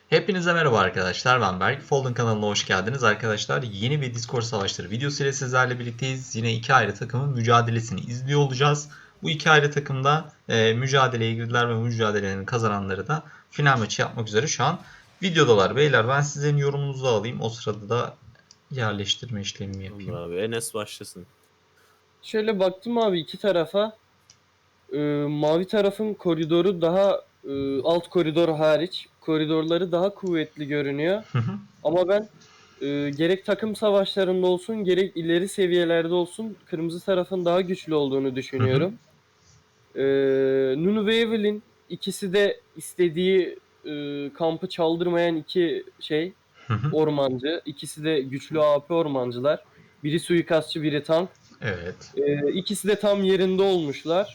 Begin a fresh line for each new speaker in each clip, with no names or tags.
Hepinize merhaba arkadaşlar, ben Berk. Folding kanalına hoş geldiniz arkadaşlar. Yeni bir Discord savaşları videosu ile sizlerle birlikteyiz. Yine iki ayrı takımın mücadelesini izliyor olacağız. Bu iki ayrı takımda mücadeleye girdiler ve bu mücadelelerin kazananları da final maçı yapmak üzere şu an videodalar. Beyler, ben sizin yorumunuzu alayım. O sırada da yerleştirme işlemimi yapayım.
Abi Enes başlasın.
Şöyle baktım abi iki tarafa. Mavi tarafın koridoru daha alt koridor hariç koridorları daha kuvvetli görünüyor. Ama ben gerek takım savaşlarında olsun gerek ileri seviyelerde olsun kırmızı tarafın daha güçlü olduğunu düşünüyorum. Nunu ve Evelyn ikisi de istediği kampı çaldırmayan iki ormancı. İkisi de güçlü AP ormancılar. Biri suikastçı, biri tank.
Evet.
İkisi de tam yerinde olmuşlar.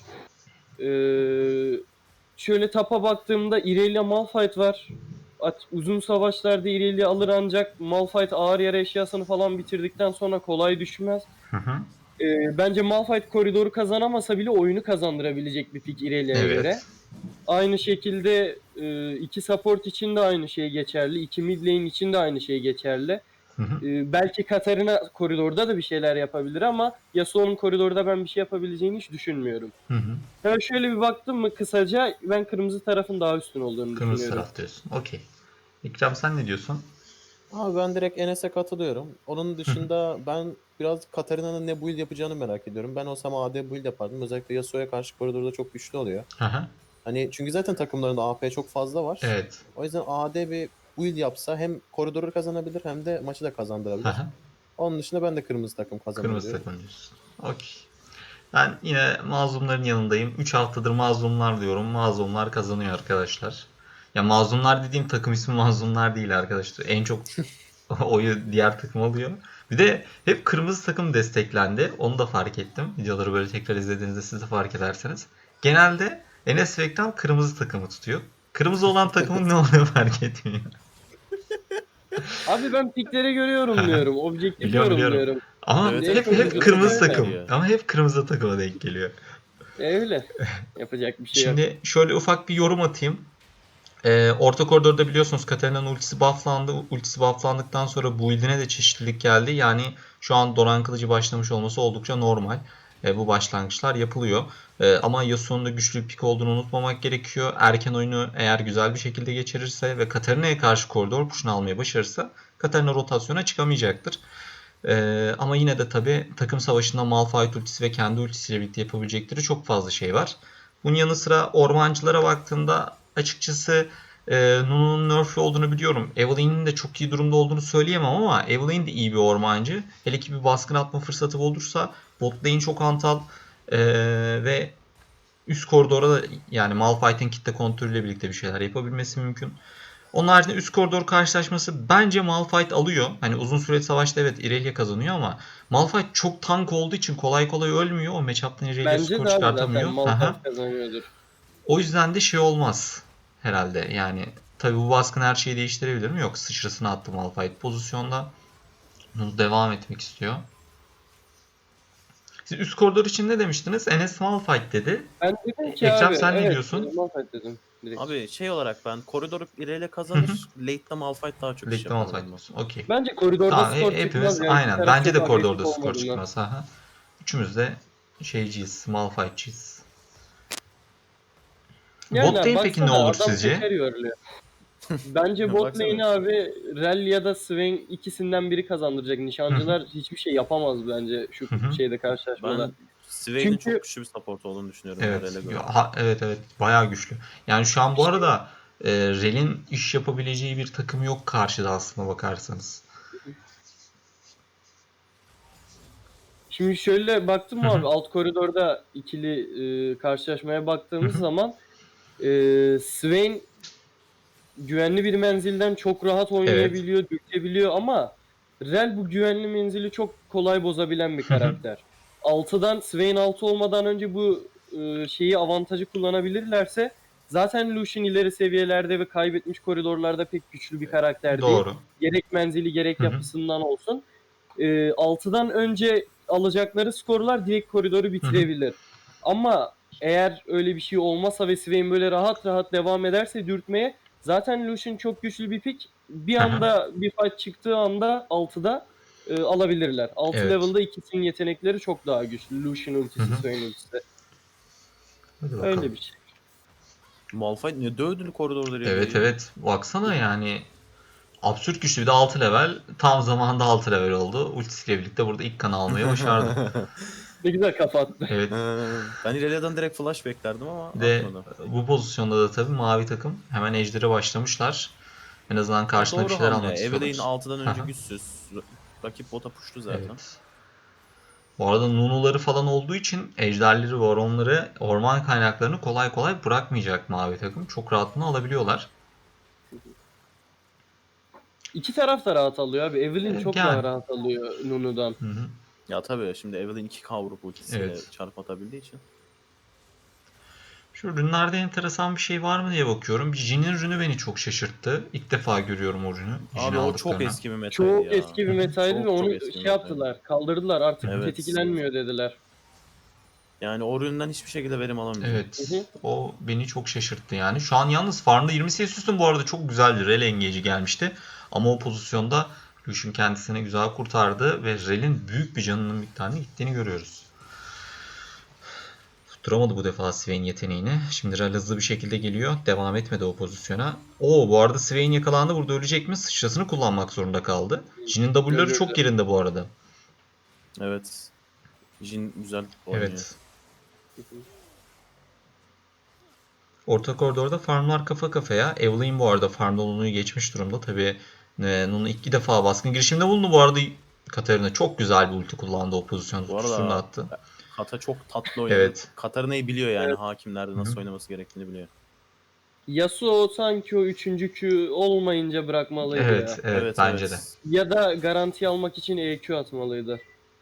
Şöyle tapa baktığımda Irelia Malphite var. Uzun savaşlarda Irelia alır ancak Malphite ağır yara eşyasını falan bitirdikten sonra kolay düşmez. Bence Malphite koridoru kazanamasa bile oyunu kazandırabilecek bir pick Irelia'ya göre. Aynı şekilde iki support için de aynı şey geçerli. İki mid lane için de aynı şey geçerli. Belki Katarina koridorda da bir şeyler yapabilir ama Yasuo'nun koridorda ben bir şey yapabileceğini hiç düşünmüyorum. Hemen şöyle bir baktım mı kısaca ben kırmızı tarafın daha üstün olduğunu
Kırmızı
düşünüyorum.
taraf diyorsun. Okey. İkram, sen ne diyorsun?
Abi ben direkt Enes'e katılıyorum. Onun dışında ben biraz Katarina'nın ne build yapacağını merak ediyorum. Ben olsam AD build yapardım. Özellikle Yasuo'ya karşı koridorda çok güçlü oluyor. Hani çünkü zaten takımlarında AP çok fazla var.
Evet.
O yüzden AD bir build yapsa hem koridoru kazanabilir hem de maçı da kazandırabilir. Onun dışında ben de kırmızı takım kazanır
Kırmızı
diyorum.
takım diyorsun. Okey. Ben yine mazlumların yanındayım. 3 haftadır mazlumlar diyorum. Mazlumlar kazanıyor arkadaşlar. Ya mazlumlar dediğim takım ismi mazlumlar değil arkadaşlar. En çok oyu diğer takım alıyor. Bir de hep kırmızı takım desteklendi. Onu da fark ettim. Videoları böyle tekrar izlediğinizde siz de fark ederseniz. Genelde Enes ve Ekran kırmızı takımı tutuyor. Kırmızı olan takımın ne oluyor fark etmiyor.
Abi ben piklere göre yorumluyorum. Objektif
Biliyorum.
yorumluyorum.
Ama
Evet,
hep kırmızı
denk
takım.
geliyor.
Ama hep kırmızı takıma denk geliyor.
Öyle. Yapacak bir şey yok.
Şimdi şöyle ufak bir yorum atayım. Orta koridorda biliyorsunuz Katarina'nın ultisi bufflandı. Ultisi bufflandıktan sonra build'ine de çeşitlilik geldi. Yani şu an Doran Kılıcı başlamış olması oldukça normal. Bu başlangıçlar yapılıyor. Ama Yasuo'nun da güçlü bir pick olduğunu unutmamak gerekiyor. Erken oyunu eğer güzel bir şekilde geçirirse ve Katarina'ya karşı koridor push'unu almayı başarırsa Katarina rotasyona çıkamayacaktır. Ama yine de tabi takım savaşında Malphite ultisi ve kendi ultisiyle birlikte yapabilecekleri çok fazla şey var. Bunun yanı sıra ormancılara baktığında açıkçası Nunu'nun nerf'lü olduğunu biliyorum. Evelyn'in de çok iyi durumda olduğunu söyleyemem ama Evelyn de iyi bir ormancı. Hele ki bir baskın atma fırsatı olursa bot lane çok hantal ve üst koridora da yani Malphite'in kitle kontrolüyle birlikte bir şeyler yapabilmesi mümkün. Onun haricinde üst koridor karşılaşması bence Malphite alıyor. Hani uzun süreli savaşta evet Irelia kazanıyor ama Malphite çok tank olduğu için kolay kolay ölmüyor. O matchup'tan Irelia
Bence
skor
de abi zaten
çıkartamıyor.
Malphite kazanıyordur.
O yüzden de şey olmaz herhalde. Yani tabi bu baskın her şeyi değiştirebilir mi? Yok, sıçrasını attı Malphite pozisyonda. Bunu devam etmek istiyor. Siz üst koridor için ne demiştiniz? Enes Malphite dedi.
Ben dedim ki
Ekrem,
abi
sen ne
evet,
diyorsun?
Malphite dedim. Direkt.
Abi şey olarak ben koridoru ileri kazanır. Late'de Malphite daha çok iş
Birlikte
yapar.
Malphite diyorsun. Okey.
Bence koridorda
Tamam,
skor
hepimiz
çıkmaz yani.
aynen. Bence de
Çok
koridorda
agresif
skor
olmadığından.
çıkmaz. Aha. Üçümüz de şeyciyiz, Malphite'ciyiz.
Yani
Bot lane peki ne
baksana,
olur
adam
sizce?
teker yoruluyor. Bence bot
Baksana.
lane'i abi Rel ya da Swain ikisinden biri kazandıracak. Nişancılar hiçbir şey yapamaz bence şu şeyde karşılaşmada.
Ben Swain'in
Çünkü-
çok güçlü bir support olduğunu düşünüyorum.
Evet.
Rel'e göre.
Evet, bayağı güçlü. Yani şu an bu arada Rel'in iş yapabileceği bir takım yok karşıda aslına bakarsanız.
Şimdi şöyle baktım mı abi alt koridorda ikili karşılaşmaya baktığımız zaman Swain güvenli bir menzilden çok rahat oynayabiliyor, dürtebiliyor ama Rel bu güvenli menzili çok kolay bozabilen bir karakter. 6'dan Swain 6 olmadan önce bu şeyi avantajı kullanabilirlerse zaten Lucian ileri seviyelerde ve kaybetmiş koridorlarda pek güçlü bir karakter değil.
Doğru.
Gerek menzili gerek yapısından olsun. 6'dan önce alacakları skorlar direkt koridoru bitirebilir. Ama eğer öyle bir şey olmazsa ve Swain böyle rahat rahat devam ederse dürtmeye Zaten Lucian çok güçlü bir pick. Bir
Hı hı.
anda bir fight çıktığı anda 6'da alabilirler. 6
Evet.
level'da ikisinin yetenekleri çok daha güçlü. Lucian
Hı
ultisi,
hı.
Swain ultisi.
Hadi
Öyle
bakalım.
bir şey.
Malphite ne dövdü koridorda
Evet
Rayleigh'i.
evet. Baksana yani. Absürt güçlü, bir de 6 level. Tam zamanında 6 level oldu. Ultisiyle birlikte burada ilk kanı almayı başardı.
Ne güzel kafa attı.
Evet.
Ben Irelia'dan direkt flash beklerdim ama
Bir de
atmadı.
bu pozisyonda da tabii mavi takım hemen ejderi başlamışlar. En azından
Ya
karşına bir
doğru
şeyler
hamle.
almak
Evelynn
istiyorlar.
6'dan
Hı
önce
hı.
güçsüz. Rakip bota pushtu zaten.
Evet. Bu arada Nunu'ları falan olduğu için ejderleri, varonları, orman kaynaklarını kolay kolay bırakmayacak mavi takım. Çok rahatını alabiliyorlar.
İki taraf da rahat alıyor abi. Evelynn çok
Yani.
daha rahat alıyor Nunu'dan.
Hı hı.
Ya tabii şimdi Evelynn 2K vurup ultisiyle
Evet.
çarp atabildiği için.
Şu rünlerde enteresan bir şey var mı diye bakıyorum. Bir Jin'in rünü beni çok şaşırttı. İlk defa görüyorum o rünü. Jin'i
Abi o çok
aldıklarına.
eski bir metaydı
Çok
ya.
eski bir metaydı ve
Çok
onu
eski bir
şey
metaydı.
yaptılar. Kaldırdılar. Artık
Evet.
tetiklenmiyor dediler.
Yani o üründen hiçbir şekilde verim alamayacağım.
Hı
Evet.
hı.
O beni çok şaşırttı yani. Şu an yalnız farmda 20 CS üstün bu arada çok güzeldi. Rel engage'i gelmişti. Ama o pozisyonda Lucian kendisini güzel kurtardı ve Rel'in büyük bir canının miktarını gittiğini görüyoruz. Tutturamadı bu defa Swain yeteneğini. Şimdi Rel hızlı bir şekilde geliyor. Devam etmedi o pozisyona. Oo, bu arada Swain yakalandı. Burada ölecek mi? Sıçrasını kullanmak zorunda kaldı. Jin'in W'ları çok
Ölürdü.
yerinde bu arada.
Evet. Jin güzel oynuyor.
Evet. Orta koridorda farmlar kafa kafaya. Evelynn bu arada farmda Nunu'yu geçmiş durumda. Tabii Nunu iki defa baskın girişimde bulundu. Bu arada Katarina çok güzel bir ulti kullandı o pozisyonda.
Bu
Tutusunu da
arada
attı.
Kata çok tatlı oynadı.
Evet.
Katarina'yı biliyor yani
Evet.
hakim nerede
Hı hı.
nasıl oynaması gerektiğini biliyor.
Yasuo sanki o üçüncü Q olmayınca bırakmalıydı
Evet,
ya.
evet
Evet
bence de.
evet.
Ya da garanti almak için EQ atmalıydı.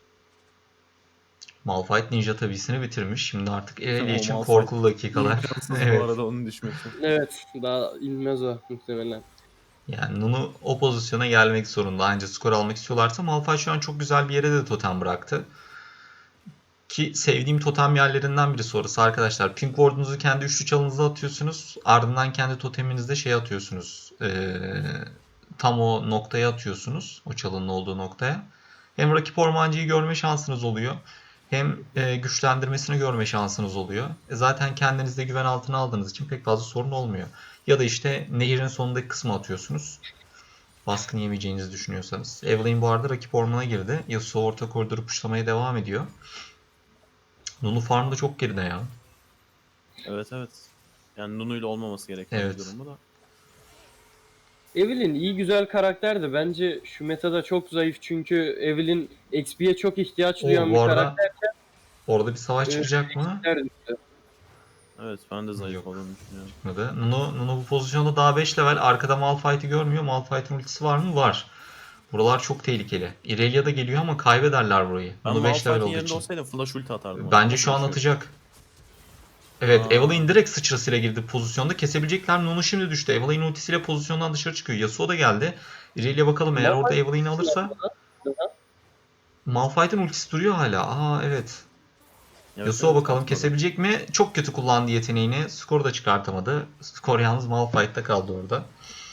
Malphite Ninja tabisini bitirmiş. Şimdi artık Irelia
O
için
Malphite
korkulu dakikalar.
imkansız bu
Evet.
arada onun düşmesi.
Evet. Daha inmez o muhtemelen.
Yani Nunu o pozisyona gelmek zorunda. Ancak skor almak istiyorlarsa Malphite şu an çok güzel bir yere de totem bıraktı. Ki sevdiğim totem yerlerinden birisi orası arkadaşlar. Pink Ward'unuzu kendi üçlü çalınıza atıyorsunuz. Ardından kendi toteminizde şey atıyorsunuz. Tam o noktaya atıyorsunuz. O çalının olduğu noktaya. Hem rakip ormancıyı görme şansınız oluyor. Hem güçlendirmesini görme şansınız oluyor. Zaten kendinizde güven altına aldığınız için pek fazla sorun olmuyor. Ya da işte nehirin sonundaki kısmı atıyorsunuz. Baskın yemeyeceğinizi düşünüyorsanız. Evelynn bu arada rakip ormana girdi. Yasuo orta koridoru puşlamaya devam ediyor. Nunu farm da çok geride ya.
Evet evet. Yani Nunu ile olmaması gereken bir
Evet.
durum bu da.
Evelynn iyi güzel karakter de bence şu metada çok zayıf çünkü Evelynn XP'ye çok ihtiyaç
O
duyan
bu
bir
arada
karakter.
orada bir savaş
E,
çıkacak mı?
XP'ler düştü.
Evet ben de zayıf
Yok.
olduğunu düşünüyorum.
Çıkmadı. Nunu bu pozisyonda daha 5 level. Arkada Malphite'i görmüyor. Malphite'in ultisi var mı? Var. Buralar çok tehlikeli. Irelia da geliyor ama kaybederler burayı.
Ben
Nunu 5 level
Malphite'in
olduğu
yerinde
için.
olsaydım flash ulti atardım adama.
Bence
O
şu an
flash'ı yok.
atacak. Evet,
Aa,
Evelynn direkt sıçrasıyla girdi pozisyonda. Kesebilecekler. Nunu şimdi düştü. Evelynn ultisiyle pozisyondan dışarı çıkıyor. Yasuo da geldi. Irelia bakalım eğer orada
Malphite
Evelyn'i alırsa. Malphite'in ultisi duruyor hala. Aa evet.
evet
Yasuo
evet
bakalım
atmadı.
kesebilecek mi? Çok kötü kullandı yeteneğini. Skoru da çıkartamadı. Skor yalnız Malphite'da kaldı orada.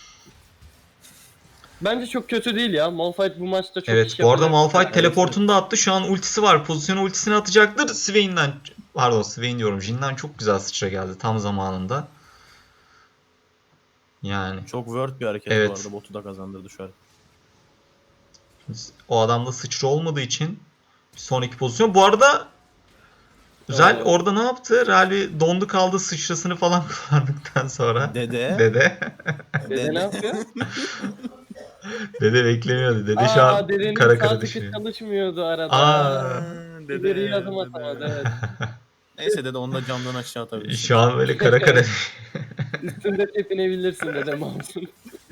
Bence çok kötü değil ya. Malphite bu maçta çok
Evet
iş
bu arada
yapacak.
Malphite
Evet evet.
teleportunu da attı. Şu an ultisi var. Pozisyona ultisini atacaktır. Swain'den pardon Swain diyorum. Jin'den çok güzel sıçra geldi tam zamanında. Yani
Çok word bir hareket bu
evet.
arada. Botu da kazandırdı şu an.
O adamda sıçra olmadığı için bir sonraki pozisyon. Bu arada Rel
Oo.
orada ne yaptı? Rel bir dondu kaldı sıçrasını falan kullandıktan sonra.
Dede.
Dede.
Dede ne
Dede.
yapıyor?
Dede beklemiyordu. Dede şu
Aa,
an
dedenin
kara
sağ
kara
tıkı
düşünüyor.
çalışmıyordu arada.
Aa.
Aa,
İleriye
dede.
adım atamadı,
Dede.
evet.
Neyse dede onu da camdan aşağı atabilirsin.
Şu an böyle kara kara.
Evet. Üstünde tepinebilirsin dede mouse'un.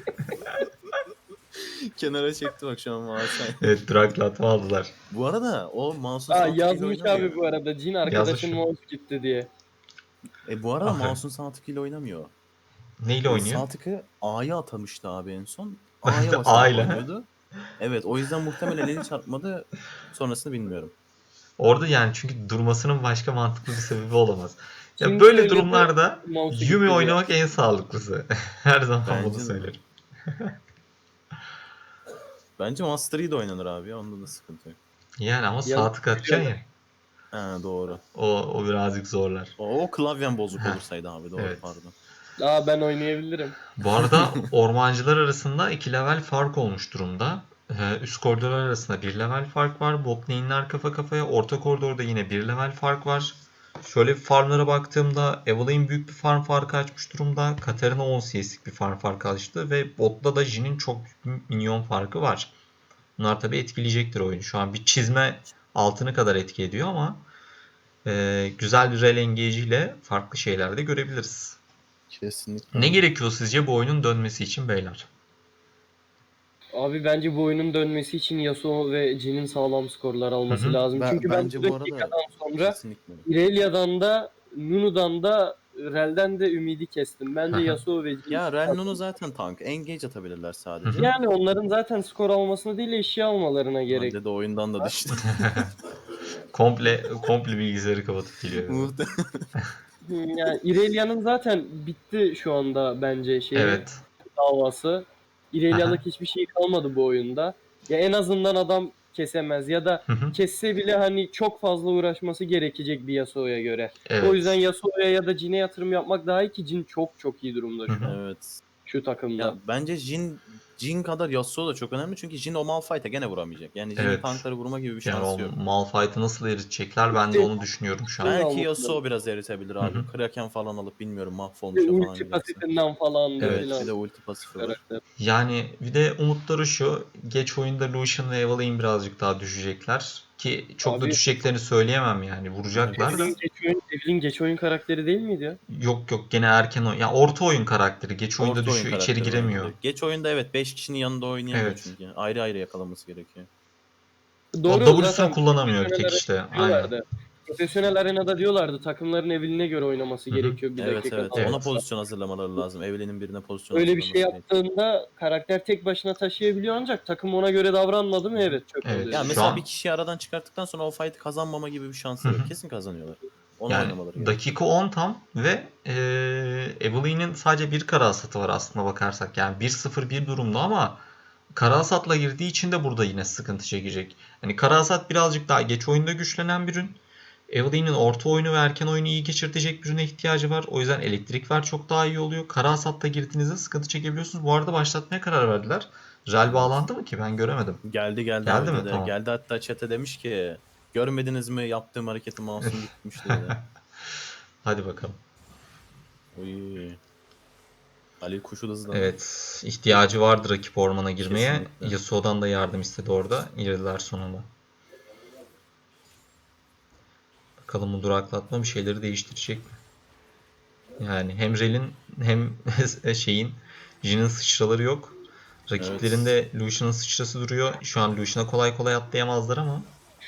Kenara çekti bak şu an mouse'u.
Evet, duraklatma aldılar.
Bu arada o mouse'un
Aa,
sağ tıkıyla
yazmış abi
oynamıyor.
bu arada. Jin
Yazmış
arkadaşın
mı?
mouse gitti diye.
Bu arada
Aferin.
mouse'un sağ tıkıyla oynamıyor.
Neyle oynuyor?
Sağ tıkı A'ya atamıştı abi en son. A'ya
A
basarak
ile.
oynuyordu. Evet o yüzden muhtemelen eli çarpmadı. Sonrasını bilmiyorum.
Orada yani çünkü durmasının başka mantıklı bir sebebi olamaz. Ya
Kim
böyle
söyledi?
durumlarda
Mouse'u
Yumi
gitti diye.
oynamak en sağlıklısı. Her zaman bunu
Bence de.
söylerim.
Bence Master Yi de oynanır abi ya. Onda da sıkıntı yok.
Yani ama
Ya,
sağ tık atacaksın ya.
Ha doğru.
O birazcık zorlar.
O klavyen bozuk
Heh,
olursaydı abi doğru
evet.
pardon.
Ben oynayabilirim.
Bu arada ormancılar arasında 2 level fark olmuş durumda. Üst koridorlar arasında 1 level fark var. Bot lane'ler kafa kafaya. Orta koridorda yine 1 level fark var. Şöyle bir farmlara baktığımda Evelynn büyük bir farm farkı açmış durumda. Katarina 10 CS'lik bir farm farkı açtı. Ve botta da Jin'in çok büyük bir minyon farkı var. Bunlar tabii etkileyecektir oyunu. Şu an bir çizme altını kadar etki ediyor ama güzel bir rel engage ile farklı şeyler de görebiliriz.
Kesinlikle.
Ne gerekiyor sizce bu oyunun dönmesi için beyler?
Abi bence bu oyunun dönmesi için Yasuo ve Jin'in sağlam skorlar alması
Hı hı.
lazım. Çünkü ben
Bence
bu
bu arada
dakikadan sonra
kesinlikle.
Irelia'dan da Nunu'dan da Rel'den de ümidi kestim. Bence
Hı hı.
Yasuo ve Jin.
Ya Ren'unu zaten tank. Engage atabilirler sadece.
Yani onların zaten skor almasına değil eşya almalarına gerek.
Bence de oyundan da düştü.
komple bilgisayarı kapatıp geliyor.
Yani Irelia'nın zaten bitti şu anda bence
Evet.
davası. Irelia'lık
Aha.
hiçbir şey kalmadı bu oyunda. Ya en azından adam kesemez ya da
Hı hı.
kesse bile hani çok fazla uğraşması gerekecek bir Yasuo'ya göre.
Evet.
O yüzden Yasuo'ya ya da Jin'e yatırım yapmak daha iyi ki Jin çok çok iyi durumda şu an.
Evet.
Şu takımda.
Ya bence Jin kadar Yasuo da çok önemli çünkü Jin o Malphite'a gene vuramayacak. Yani Jin'in
Evet.
tankları vurma gibi bir
Yani
şansı
o
yok.
Malphite'ı nasıl eritecekler ben de onu düşünüyorum şu an.
Ben-
Belki
almak
Yasuo
lazım.
biraz eritebilir abi.
Hı hı.
Kraken falan alıp bilmiyorum
Bir
mahvolmuş
de
falan
ulti
giderse.
pasif'inden falan da
Evet,
Evet
filan.
bir de ulti pasifi var.
karakter.
Yani bir de umutları şu. Geç oyunda Lucian ve Evelynn birazcık daha düşecekler. Ki çok da
Abi-
düşeceklerini söyleyemem yani. Vuracaklar da.
Evelynn geç oyun karakteri değil miydi ya?
Yok gene erken oyun. Ya orta oyun karakteri. Geç oyunda
Orta oyun
düşüyor. içeri
karakteri
giremiyor.
bence. Geç oyunda evet 5 kişinin yanında oynayamıyor
Evet.
çünkü. Ayrı ayrı yakalaması gerekiyor.
O W'sunu kullanamıyor bir tek
profesyonel
işte.
arenada
Aynen.
diyorlardı. Profesyonel arenada diyorlardı takımların Evelyn'e göre oynaması
Hı hı.
gerekiyor bir
Evet
dakika.
evet.
Evet.
Ona pozisyon hazırlamaları lazım. Evelyn'in birine pozisyon
Öyle bir şey
hazırlaması gerekiyor.
yaptığında karakter tek başına taşıyabiliyor ancak takım ona göre davranmadı mı evet çöp
Evet.
oluyor.
Ya
Şu
mesela
an-
bir kişiyi aradan çıkarttıktan sonra o fight'ı kazanmama gibi bir
Hı
şansları
hı.
yok. Kesin kazanıyorlar. Onu
Yani
oynamaları gerekiyor.
dakika 10 tam ve Evelynn'in sadece bir kara hasatı var aslında bakarsak. Yani 1-0-1 durumda ama kara hasatla girdiği için de burada yine sıkıntı çekecek. Hani kara hasat birazcık daha geç oyunda güçlenen bir ürün. Evelynn'in orta oyunu ve erken oyunu iyi geçirtecek bir ürüne ihtiyacı var. O yüzden elektrik ver çok daha iyi oluyor. Kara hasatta girdiğinizde sıkıntı çekebiliyorsunuz. Bu arada başlatmaya karar verdiler. Rel
Evet.
bağlandı mı ki? Ben göremedim.
Geldi
Geldi
abi
mi?
dedi.
Tamam.
Geldi hatta chat'e demiş ki görmediniz mi yaptığım hareketi mouse'um gitmişti dedi.
Hadi bakalım.
Uy. Ali kuşu da hızlandı.
Evet, ihtiyacı vardı rakip ormana girmeye.
Kesinlikle.
Yasuo'dan da yardım istedi orada. Girdiler sonunda. Bakalım bu duraklatma bir şeyleri değiştirecek mi? Yani hem Rel'in hem şeyin Jin'in sıçraları yok. Rakiplerinde Lucian'ın sıçrası duruyor. Şu an Lucian'a kolay kolay atlayamazlar ama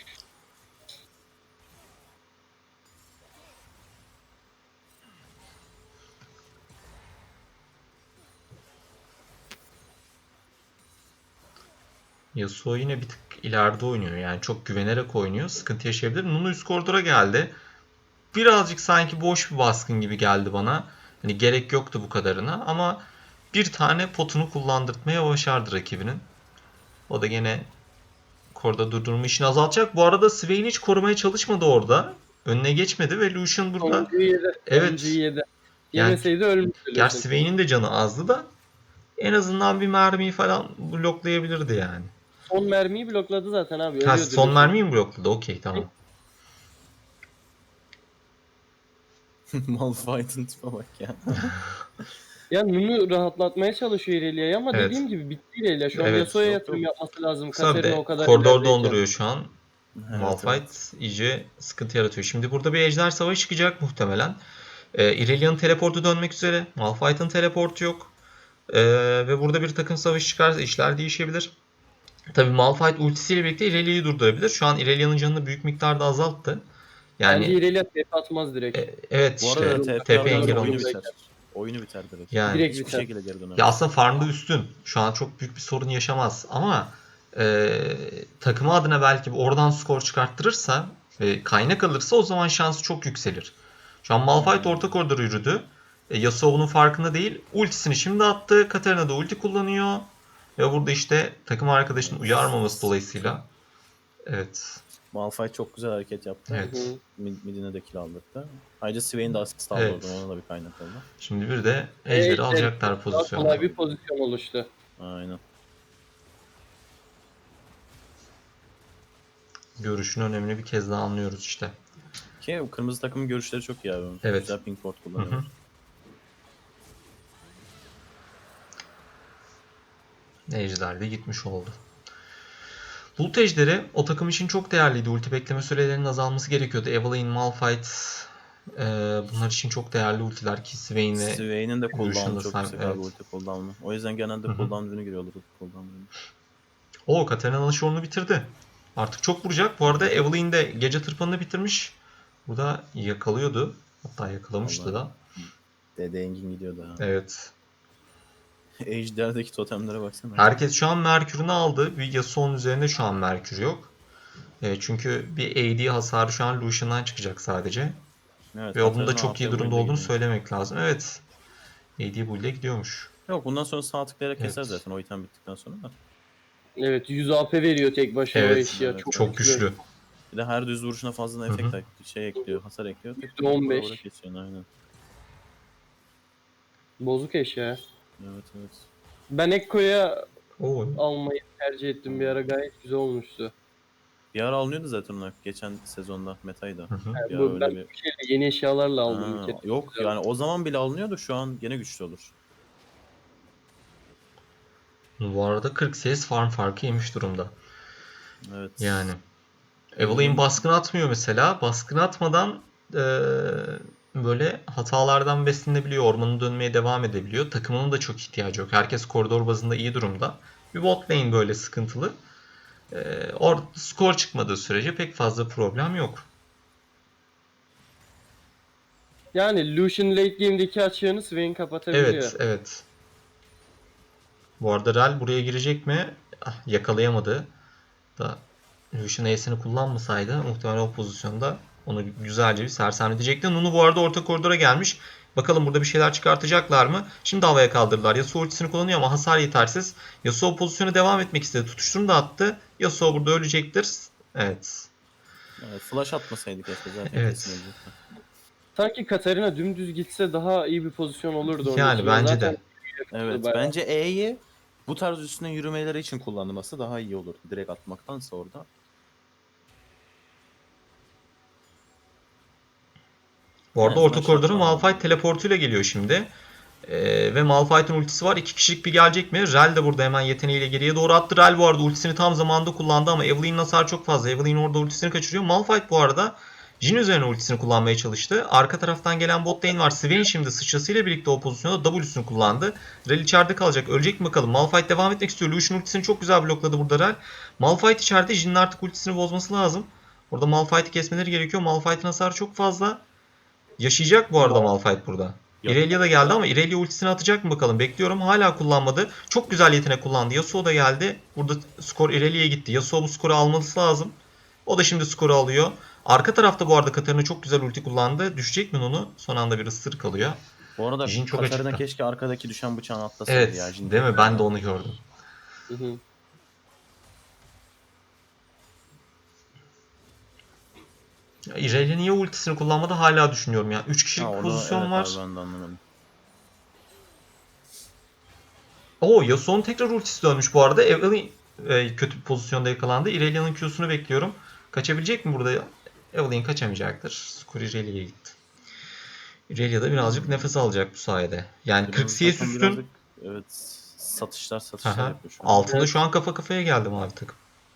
Yasuo yine bir tık ileride oynuyor. Yani çok güvenerek oynuyor. Sıkıntı yaşayabilir. Nunu üst koridora geldi. Birazcık sanki boş bir baskın gibi geldi bana. Hani gerek yoktu bu kadarına ama bir tane potunu kullandırtmaya başardı rakibinin. O da gene koridorda durdurma işini azaltacak. Bu arada Swain hiç korumaya çalışmadı orada. Önüne geçmedi ve Lucian burada
Sonuncuyu yedi.
evet
Sonuncuyu yedi.
yani
Yemeseydi ölmüştü.
gerçi
Lucian.
Swain'in de canı azdı da en azından bir mermiyi falan bloklayabilirdi yani.
Son mermiyi blokladı zaten abi.
Ha,
Ölüyordu
son
Lucian.
mermiyi mi blokladı? Okey tamam.
Malphite'ın tipe bak ya.
Ya Nunu rahatlatmaya çalışıyor Irelia'yı ama
Evet.
dediğim gibi bitti Irelia. Şu an
Evet.
Yasuo'ya
Yok,
yatırım
yok.
yapması lazım.
Kısa bir
Katarina
de
o kadar
koridor
ilerideyken.
donduruyor şu an.
Evet,
Malphite
evet.
iyice sıkıntı yaratıyor. Şimdi burada bir ejder savaşı çıkacak muhtemelen. Irelia'nın teleportu dönmek üzere. Malphite'ın teleportu yok. Ve burada bir takım savaşı çıkarsa işler değişebilir. Tabii Malphite ultisiyle birlikte Irelia'yı durdurabilir. Şu an Irelia'nın canını büyük miktarda azalttı.
Bence
Yani
Irelia TP atmaz direkt.
evet
Bu
işte
arada
TP
TP
engel
oyunu
olmuş.
biter. Oyunu biter direkt.
Yani
Direkt
Hiçbir
biter.
şekilde geri dönemez.
ya aslında farmda üstün. Şu an çok büyük bir sorun yaşamaz ama takımı adına belki oradan skor çıkarttırırsa ve kaynak alırsa o zaman şansı çok yükselir. Şu an Malphite orta koridora yürüdü. Yasuo bunun farkında değil. Ultisini şimdi attı. Katarina da ulti kullanıyor. Ve burada işte takım arkadaşının uyarmaması dolayısıyla. Evet.
Malphite çok güzel hareket yaptı.
Evet.
Hı hı.
Midine de kill aldırdı. Ayrıca Swain de asist aldı
Evet.
oradan. Ona da bir kaynak oldu.
Şimdi bir de Ejder'i alacaklar
Daha
pozisyona.
kolay bir pozisyon oluştu.
Aynen.
Görüşün önemini bir kez daha anlıyoruz işte.
Ki o kırmızı takımın görüşleri çok iyi abi.
Evet.
Güzel ping port
Hı hı.
kullanıyor.
Ejder de gitmiş oldu. Bulut Ejderi o takım için çok değerliydi. Ulti bekleme sürelerinin azalması gerekiyordu. Evelynn, Malphite bunlar için çok değerli ultiler ki Swain ve
Swain'in de
Lucian'da
cooldown'u çok yüksek
evet.
abi ulti cooldown'u. O yüzden genelde
Hı hı.
cooldown ürünü giriyorlar ulti cooldown ürünü.
o Katarina'nın şorunu bitirdi. Artık çok vuracak. Bu arada Evelynn de gece tırpanını bitirmiş. Burada yakalıyordu. Hatta yakalamıştı
Vallahi.
da.
Dede Engin gidiyordu ha.
Evet.
Ejder'deki totemlere baksana.
Herkes şu an Merkür'ünü aldı. Bir Yasuo'nun üzerinde şu an Merkür yok. Çünkü bir AD hasarı şu an Lucian'dan çıkacak sadece.
Evet,
Ve onun da
Katarina
çok iyi
AP
durumda
build'e
olduğunu
gidiyor.
söylemek lazım. Evet. AD build'e gidiyormuş.
Yok bundan sonra sağ tıklayarak
Evet.
keser zaten o item bittikten sonra da.
Evet 100 AP veriyor tek başına o
Evet,
eşya.
evet,
Çok
güçlü.
Bir de her düz vuruşuna fazla
Hı hı.
efekt ekliyor, hasar ekliyor.
%15.
Vura kesiyorsun aynen.
Bozuk eşya.
Evet evet.
Ben Ekko'ya
Oo.
almayı tercih ettim bir ara, gayet güzel olmuştu.
Bir ara alınıyordu zaten onlar geçen sezonda metaydı.
Hı hı.
Yani
Ya
bu,
öyle
ben
bir-
yeni eşyalarla aldım
Ha,
bir kere.
yok
Güzel.
yani o zaman bile alınıyordu şu an gene güçlü olur.
Bu arada 40 CS farm farkı yemiş durumda.
Evet.
Yani. Evelynn baskın atmıyor mesela. Baskın atmadan böyle hatalardan beslenebiliyor. Ormanı dönmeye devam edebiliyor. Takımının da çok ihtiyacı yok. Herkes koridor bazında iyi durumda. Bir bot lane böyle sıkıntılı. Skor çıkmadığı sürece pek fazla problem yok.
Yani Lucian late game'deki açığını Swain kapatabiliyor.
Evet, evet. Bu arada Rel buraya girecek mi? Yakalayamadı. Da Lucian Ace'ini kullanmasaydı muhtemelen o pozisyonda onu güzelce bir sersemletecekti. Nunu bu arada orta koridora gelmiş. Bakalım burada bir şeyler çıkartacaklar mı? Şimdi havaya kaldırdılar. Yasuo ultisini kullanıyor ama hasar yetersiz. Yasuo pozisyonu devam etmek istedi. Tutuşturunu da attı. Yasuo burada ölecektir. Evet.
Evet, flash atmasaydı keşke zaten
Evet.
kesin ölecekti.
Sanki Katarina dümdüz gitse daha iyi bir pozisyon olurdu onun
Yani
için.
bence
Zaten
de.
Evet
bayağı.
bence E'yi bu tarz üstüne yürümeleri için kullanılması daha iyi olur. Direkt atmaktansa orada.
Bu arada
Evet,
orta
flash
koridora
atma.
Malphite teleportuyla geliyor şimdi. Ve Malphite'ın ultisi var. 2 kişilik bir gelecek mi? Rel de burada hemen yeteneğiyle geriye doğru attı. Rel bu arada ultisini tam zamanında kullandı ama Evelynn hasar çok fazla. Evelynn orada ultisini kaçırıyor. Malphite bu arada Jhin üzerine ultisini kullanmaya çalıştı. Arka taraftan gelen bot lane var. Swain şimdi sıçrasıyla birlikte o pozisyonda W'sunu kullandı. Rel içeride kalacak. Ölecek mi bakalım. Malphite devam etmek istiyor. Lucian ultisini çok güzel blokladı burada Rel. Malphite içeride. Jhin'in artık ultisini bozması lazım. Orada Malphite'i kesmeleri gerekiyor. Malphite'in hasarı çok fazla. Yaşayacak bu arada Malphite burada. Irelia da geldi ama Irelia ultisini atacak mı bakalım. Bekliyorum. Hala kullanmadı. Çok güzel yetenek kullandı. Yasuo da geldi. Burada skor Irelia'ya gitti. Yasuo bu skoru alması lazım. O da şimdi skoru alıyor. Arka tarafta bu arada Katarina çok güzel ulti kullandı. Düşecek mi onu? Son anda bir ısırık alıyor.
Bu arada
Jhin çok
Katarina
açıkta.
keşke arkadaki düşen bıçağını atlasaydı
Evet.
ya. Jhin
Değil mi?
çok
Ben
iyi
de
ya.
onu gördüm.
Hı hı.
Irelia niye ultisini kullanmadı hala düşünüyorum ya. 3 kişilik
Ha, onu,
pozisyon
evet
var.
abi, ben de anlamadım.
Oo, Yasuo'nun tekrar ultisi dönmüş bu arada. Evelynn kötü bir pozisyonda yakalandı. Irelia'nın Q'sunu bekliyorum. Kaçabilecek mi burada? Evelynn kaçamayacaktır. Skor Irelia'ya gitti. Irelia da birazcık nefes alacak bu sayede. Yani 40
Kırmızı
CS
takım
üstün.
birazcık, evet, satışlar
Aha.
yapıyor şu an.
Altında şu an kafa kafaya geldim artık.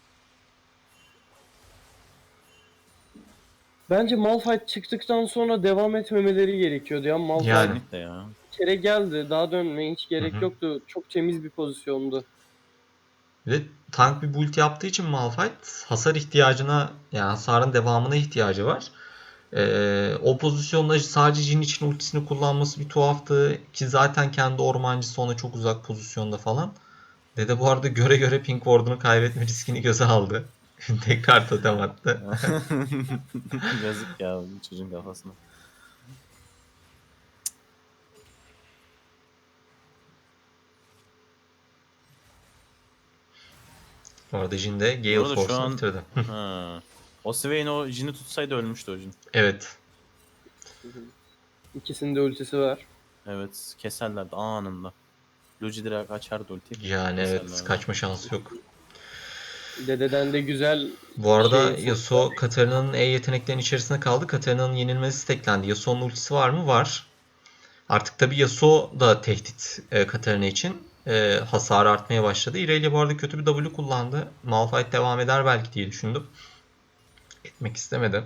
Bence Malphite çıktıktan sonra devam etmemeleri gerekiyordu ya. Malphite
Yani.
Kesinlikle ya.
bir kere geldi. Daha dönmeye hiç gerek
Hı hı.
yoktu. Çok temiz bir pozisyondu.
Ve tank bir build yaptığı için Malphite hasar ihtiyacına, yani hasarın devamına ihtiyacı var. O pozisyonda sadece Jhin için ultisini kullanması bir tuhaftı ki zaten kendi ormancısı ona çok uzak pozisyonda falan. Dede bu arada göre göre Pink Ward'unu kaybetme riskini göze aldı. Tekrar totem attı.
Yazık ya çocuğun kafasına.
Bu arada Jhin de
Bu
Gale
arada şu
Force'unu
an
bitirdi.
ha. O Swain o Jin'i tutsaydı ölmüştü o Jin.
Evet.
İkisinin de ultisi var.
Evet keserlerdi anında. Luigi direkt açardı ultiyi.
Yani evet,
Keserlerdi.
kaçma şansı yok.
Dededen de güzel
Bu arada
şey,
Yasuo Katarina'nın E yeteneklerinin içerisinde kaldı. Katarina'nın yenilmesi steklendi. Yasuo'nun ultisi var mı? Var. Artık tabii Yasuo da tehdit Katarina için. Hasarı artmaya başladı. Irelia bu arada kötü bir W kullandı. Malphite devam eder belki diye düşündüm. Etmek istemedi.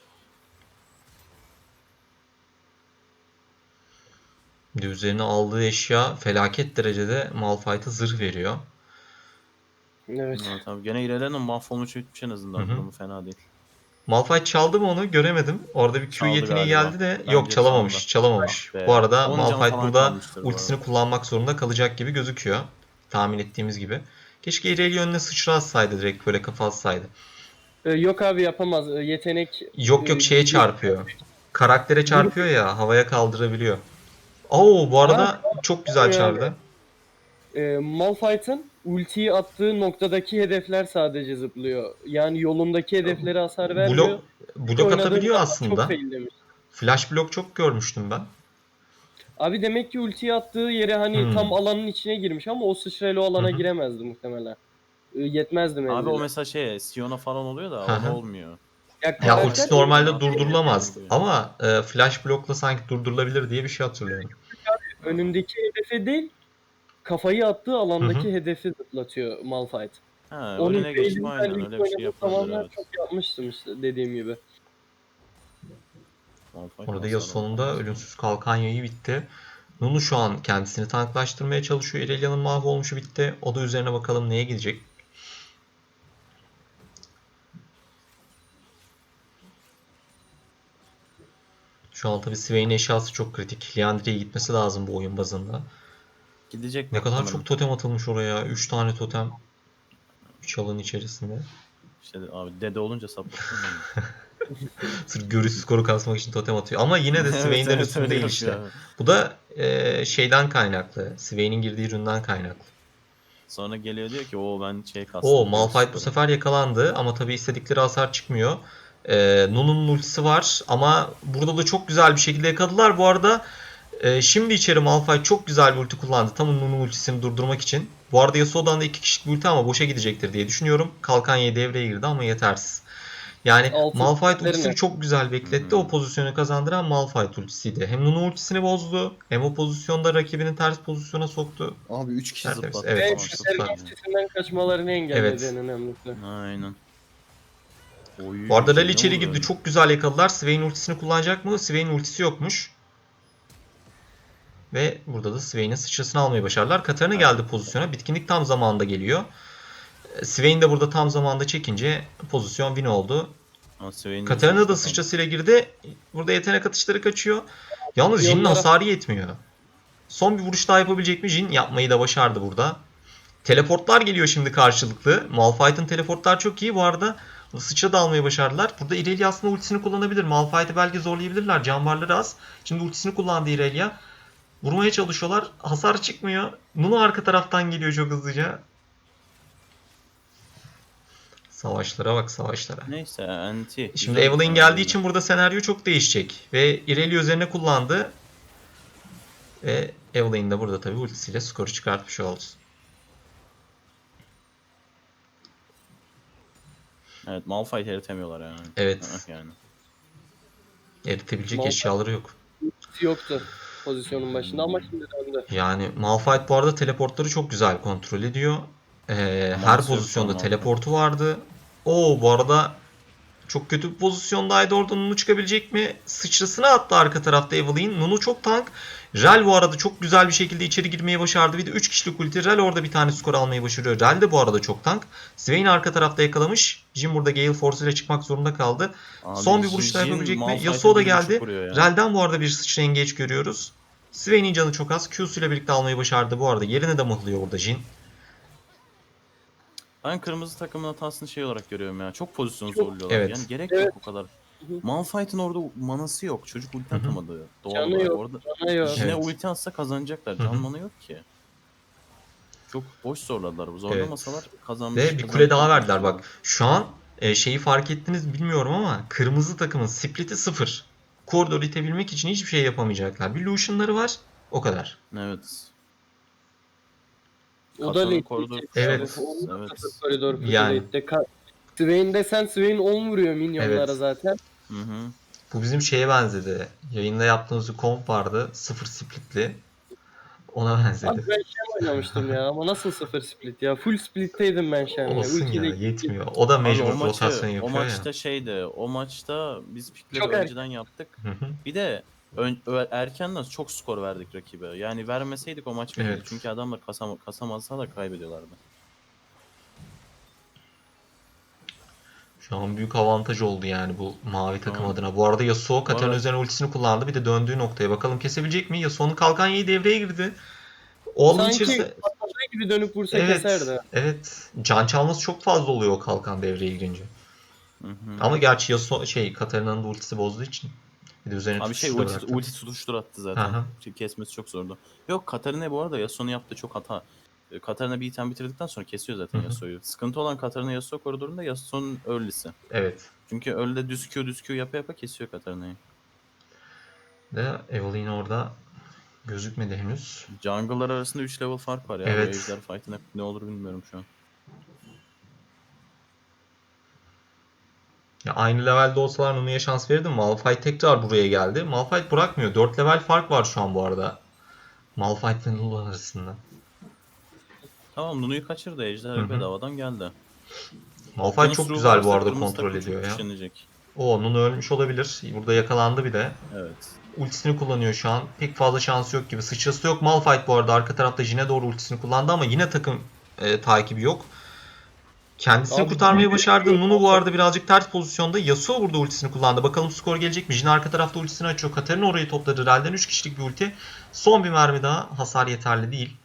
Bir de üzerine aldığı eşya felaket derecede Malphite'a zırh veriyor.
evet.
Evet abi gene İrelia'nın mahvolmuş bitmiş en azından.
Hı hı.
Durumu fena değil.
Malphite çaldı mı onu göremedim. Orada bir Q
Çaldı
yeteneği
galiba.
geldi de
Bence
yok, çalamamış.
çaldı.
Çalamamış.
Ah be.
Bu arada
10 can
Malphite
falan
burada
kalmıştır bu
ultisini
arada.
kullanmak zorunda kalacak gibi gözüküyor. Tahmin ettiğimiz gibi. Keşke Irelia önüne sıçra atsaydı, direkt böyle kafa atsaydı.
Yok abi yapamaz. Yetenek
Yok yok, şeye çarpıyor. Karaktere çarpıyor ya, havaya kaldırabiliyor. Oo, bu arada çok güzel çarptı.
Malphite'ın ultiyi attığı noktadaki hedefler sadece zıplıyor. Yani yolundaki hedeflere hasar vermiyor.
Blok atabiliyor
Çok
aslında.
faillemiş.
Flash blok çok görmüştüm ben.
Abi demek ki ultiyi attığı yere hani tam alanın içine girmiş ama o sıçrayla o alana giremezdi muhtemelen. Yetmezdi
Abi
menzili.
o mesela Sion'a falan oluyor da
Hı
ona
hı.
olmuyor.
Ya
Ya
karakter
ultisi normalde
Sion
durdurulamaz
atıyor.
ama flash blokla sanki durdurulabilir diye bir şey hatırlıyorum.
önündeki hedefe değil, kafayı attığı
Hı
alandaki hedefi zıplatıyor Malphite.
Ha,
Onun
önüne geçip
failini ben
aynen
ilk
öyle bir şey
oynadığım
yapabilir
zamanlar
evet.
çok yapmıştım işte dediğim gibi.
Malphite
Orada
hasar
Yasuo'nun da
almaz.
ölümsüz kalkan yayı bitti. Nunu şu an kendisini tanklaştırmaya çalışıyor. Irelia'nın mahvolmuşu bitti. O da üzerine bakalım neye gidecek. Şu an tabii Swain eşyası çok kritik. Liandry'e gitmesi lazım bu oyun bazında.
Gidecek
Ne kadar
muhtemelen.
çok totem atılmış oraya. 3 tane totem. 3 alanın içerisinde.
İşte abi dede olunca saplasın.
Sırf görüş skoru kasmak için totem atıyor. Ama yine de
Evet
Swain'den
evet
üstün
öyle
değil
yapıyor
işte.
abi.
Bu da şeyden kaynaklı. Swain'in girdiği üründen kaynaklı.
Sonra geliyor diyor ki o ben
Oo,
kastım.
Malphite bu sefer yakalandı ama tabii istedikleri hasar çıkmıyor. Nunu'nun ultisi var ama burada da çok güzel bir şekilde yakaladılar. Bu arada şimdi içeri Malphite çok güzel bir ulti kullandı. Tam Nunu'nun ultisini durdurmak için. Bu arada Yasuo'dan da 2 kişilik bir ulti ama boşa gidecektir diye düşünüyorum. Kalkan Y'ye devreye girdi ama yetersiz. Yani
Altın
Malphite ultisini
ultilerine.
çok güzel bekletti. O pozisyonu kazandıran Malphite ultisiydi. Hem Nunu ultisini bozdu hem o pozisyonda rakibini ters pozisyona soktu.
Abi 3 kişi
Tertemiz.
zıplattı
Evet,
Ve
3 kişi
Katerina
zıplattı.
ultisinden kaçmalarını engelledi en önemlisi.
Aynen. Oy,
Bu arada Rally
Jin'e
içeri
vurdu
girdi.
öyle.
Çok güzel yakaladılar. Swain ultisini kullanacak mı? Swain ultisi yokmuş. Ve burada da Swain'in sıçrasını almayı başardılar. Katarina geldi pozisyona. Bitkinlik tam zamanında geliyor. Swain de burada tam zamanında çekince pozisyon win oldu.
Ama Swain'in
Katarina da
sıçrası
sıçrasıyla girdi. Burada yetenek atışları kaçıyor. Yalnız Jin'in
Yollara-
hasarı yetmiyor. Son bir vuruş daha yapabilecek mi Jhin? Yapmayı da başardı burada. Teleportlar geliyor şimdi karşılıklı. Malphite'ın teleportlar çok iyi. Bu arada sıçra da almayı başardılar. Burada Irelia aslında ultisini kullanabilir. Malphite'ı belki zorlayabilirler. Can varları az. Şimdi ultisini kullandı Irelia. Vurmaya çalışıyorlar. Hasar çıkmıyor. Nunu arka taraftan geliyor çok hızlıca. Savaşlara bak, savaşlara.
Neyse anti.
Şimdi Evelynn geldiği için burada senaryo çok değişecek. Ve Irelia üzerine kullandı. Ve Evelynn de burada tabii ultisiyle skoru çıkartmış oldu.
Evet Malphite eritemiyorlar yani.
Evet.
Yani.
Eritebilecek
Malphite-
eşyaları yok.
Yoktu pozisyonun başında ama şimdi döndü.
Yani Malphite bu arada teleportları çok güzel kontrol ediyor. Her
Manası yok
pozisyonda
şu an
teleportu vardı. Oo, bu arada çok kötü bir pozisyondaydı. Orada Nunu çıkabilecek mi? Sıçrasını attı arka tarafta Evelynn. Nunu çok tank. Rel bu arada çok güzel bir şekilde içeri girmeyi başardı. Bir de 3 kişilik ulti. Rel orada bir tane skor almayı başarıyor. Rel de bu arada çok tank. Swain arka tarafta yakalamış. Jhin burada Gale Force ile çıkmak zorunda kaldı.
Abi,
Son bir vuruş daha
Jhin
yapabilecek mi?
Malphite'e
Yasuo da
1.5
geldi.
vuruyor ya.
Rel'den bu arada bir sıçra engage görüyoruz. Swain'in canı çok az. Q'su ile birlikte almayı başardı bu arada. Yerine de mıhlıyor burada Jhin.
Ben kırmızı takımın hatasını şey olarak görüyorum ya. Çok pozisyon
Çok-
zorluyorlar.
Evet.
Yani gerek
Evet.
yok o kadar.
hı.
Malphite'ın orada manası yok. Çocuk ulti
Hı hı.
atamadı doğal
Canı
olarak.
yok,
Orada
canı yok.
Jin'e
Evet.
ulti atsa kazanacaklar.
Hı hı.
Can manı yok ki. Çok boş zorladılar. Zorlamasalar
Ve bir kule daha verdiler
kazanmışlar.
bak. Şu an şeyi fark ettiniz bilmiyorum ama kırmızı takımın split'i 0. Koridoru itebilmek için hiçbir şey yapamayacaklar. Bir Lucian'ları var. O kadar.
Evet.
O da
Katan'ın
late
koridor...
geçecek
Evet.
abi. O da
Evet.
sıfır koridor pusu
Yani.
late'de. Swain'de sen Swain 10 vuruyor minyonlara
Evet.
zaten.
Hı hı.
Bu bizim şeye benzedi. Yayında yaptığımız bir komp vardı. 0 split'li. Ona
Abi
benzedi.
ben Shen oynamıştım ya ama nasıl sıfır split ya? Full splitteydim ben Shen'le.
Olsun ya,
Ultiyle
yetmiyor. O da
Abi
mecbur rotasyon
o
yapıyor ya.
maçta şeydi. O maçta biz pikleri
Çok erken.
önceden yaptık.
Hı hı.
Bir de erkenden çok skor verdik rakibe. Yani vermeseydik o maç belliydi.
Evet.
Çünkü adamlar kasamazsa da kaybediyorlardı.
Şu an büyük avantaj oldu yani bu mavi takım
Tamam.
adına. Bu arada Yasuo
Bu
Katarina
arada
üzerine ultisini kullandı. Bir de döndüğü noktaya bakalım kesebilecek mi? Yasuo'nun kalkan yiği devreye girdi. O alanın
sanki
içerisinde...
patladığı gibi dönüp vursa
Evet,
keserdi.
evet. Can çalması çok fazla oluyor o kalkan devreye girince.
hı hı.
Ama gerçi Yasuo Katarina'nın da ultisi bozduğu için. Bir de üzerine
Abi
tutuştura bıraktı.
ulti tutuştur attı zaten.
Aha.
Kesmesi çok zordu. Yok Katarina bu arada Yasuo'nun yaptığı çok hata. Katarina bir item bitirdikten sonra kesiyor zaten
Hı hı.
Yasuo'yu. Sıkıntı olan Katarina Yasuo koridorunda Yasuo'nun early'si.
Evet.
Çünkü early'de düz Q yapa yapa kesiyor Katarina'yı.
Ve Evelynn orada gözükmedi henüz.
Jungle'lar arasında 3 level fark var ya. Bu
Evet.
ejder fight'ine ne olur bilmiyorum şu an.
Ya aynı levelde olsalar Nunu'ya şans verirdim. Malphite tekrar buraya geldi. Malphite bırakmıyor. 4 level fark var şu an bu arada. Malphite ve Nunu arasında.
Tamam Nunu'yu kaçırdı.
Hı
Ejder
hı.
bedavadan geldi.
Malphite
Okyanus
çok
ruhu
güzel bu
varsa
arada
kırmızı
kontrol
takım çok
ediyor ya.
güçlenecek.
O Nunu ölmüş olabilir. Burada yakalandı bir de.
Evet.
Ultisini kullanıyor şu an. Pek fazla şansı yok gibi. Sıçrası yok. Malphite bu arada arka tarafta Jin'e doğru ultisini kullandı ama yine takım takibi yok. Kendisini
Abi
kurtarmayı başardı. Nunu bu
Malphite-
arada birazcık ters pozisyonda. Yasuo burada ultisini kullandı. Bakalım skor gelecek mi? Jhin arka tarafta ultisini açıyor. Katarina orayı topladı. Real'den 3 kişilik bir ulti. Son bir mermi daha. Hasar yeterli değil.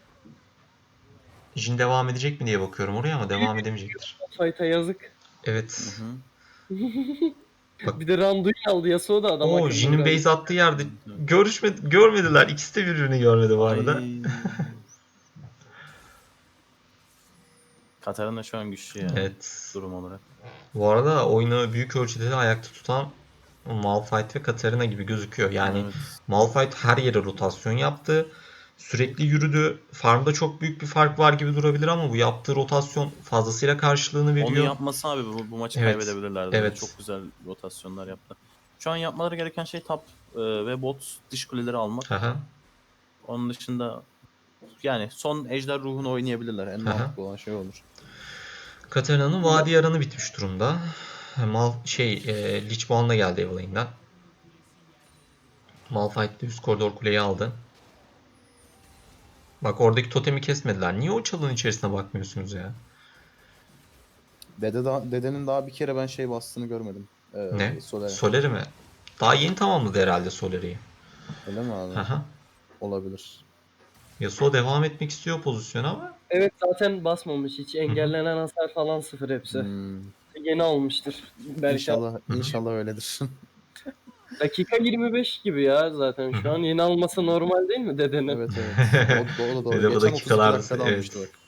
Jhin devam edecek mi diye bakıyorum oraya ama devam edemeyecektir.
Malphite'a yazık.
Evet.
Hı hı.
Bak.
Bir de Randuin aldı Yasuo da adam
O
akıllı
Jin'in
biraz.
base attığı yerde
Evet.
görmediler. İkisi de birbirini görmedi bu arada.
Ay. Katarina şu an güçlü ya.
Evet.
Durum olarak.
Bu arada oyunu büyük ölçüde de ayakta tutan Malphite ve Katarina gibi gözüküyor. Yani
Evet.
Malphite her yere rotasyon yaptı. Sürekli yürüdü. Farmda çok büyük bir fark var gibi durabilir ama bu yaptığı rotasyon fazlasıyla karşılığını
Onu
veriyor.
yapmasa abi bu maçı
Evet.
kaybedebilirlerdi.
Evet.
Çok güzel rotasyonlar yaptı. Şu an yapmaları gereken şey top ve bot dış kuleleri almak.
Aha,
Onun dışında yani son ejder ruhunu oynayabilirler. En
aha.
mantıklı olan şey olur.
Katarina'nın vadi yaranı bitmiş durumda. Lich Bond'la geldi Evelyn'den. Malphite de üst koridor kuleyi aldı. Bak oradaki totemi kesmediler. Niye o çalının içerisine bakmıyorsunuz ya?
Dedenin daha bir kere ben şey bastığını görmedim.
Ne?
Solere.
Soleri mi? Daha yeni tamamladı herhalde Soleri'yi.
Öyle mi abi?
Aha.
Olabilir.
Yasuo devam etmek istiyor pozisyona ama
Evet zaten basmamış hiç. Engellenen hasar falan sıfır hepsi.
Hmm.
Yeni almıştır. Belki
İnşallah öyledir.
dakika 25 gibi ya zaten şu an. Yeni alması normal değil mi dedenin?
Evet evet. O da
Ve
doğru.
de bu
Geçen 32
dakikalar
dakikada
evet.
almıştı bak.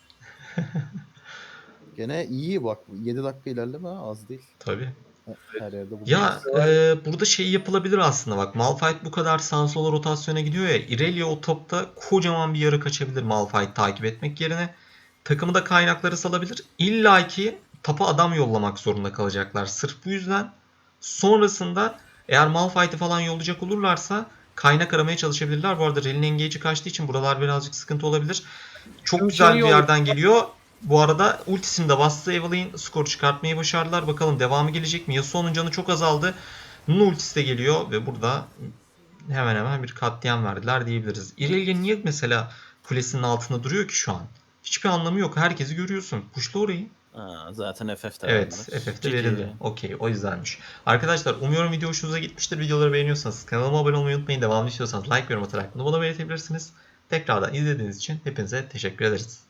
Gene iyi bak. 7 dakika ilerleme az değil.
Tabii.
Her yerde bulunmuş.
Ya burada şey yapılabilir aslında bak. Malphite bu kadar sağa sola rotasyona gidiyor ya. Irelia o topta kocaman bir yara kaçabilir Malphite takip etmek yerine. Takımı da kaynakları salabilir. İlla ki tapa adam yollamak zorunda kalacaklar. Sırf bu yüzden sonrasında eğer Malphite'i falan yollayacak olurlarsa kaynak aramaya çalışabilirler. Bu arada Rel'in engage'i kaçtığı için buralar birazcık sıkıntı olabilir. Çok
Şu
güzel
şeyi
bir yerden geliyor. Bu arada ultisini de bastı. Evelynn skor çıkartmayı başardılar. Bakalım devamı gelecek mi? Yasuo'nun canı çok azaldı. Nunu ultisi de geliyor ve burada hemen hemen bir katliam verdiler diyebiliriz. Irelia niye mesela kulesinin altında duruyor ki şu an? Hiçbir anlamı yok. Herkesi görüyorsun. Pushla orayı.
Zaten FF'de
Evet,
verdiler.
FF'de
GG.
verildi. Okey, o yüzdenmiş. Arkadaşlar umuyorum video hoşunuza gitmiştir. Videoları beğeniyorsanız kanalıma abone olmayı unutmayın. Devamlı istiyorsanız like ve yorum atarak bunu bana belirtebilirsiniz. Tekrardan izlediğiniz için hepinize teşekkür ederiz.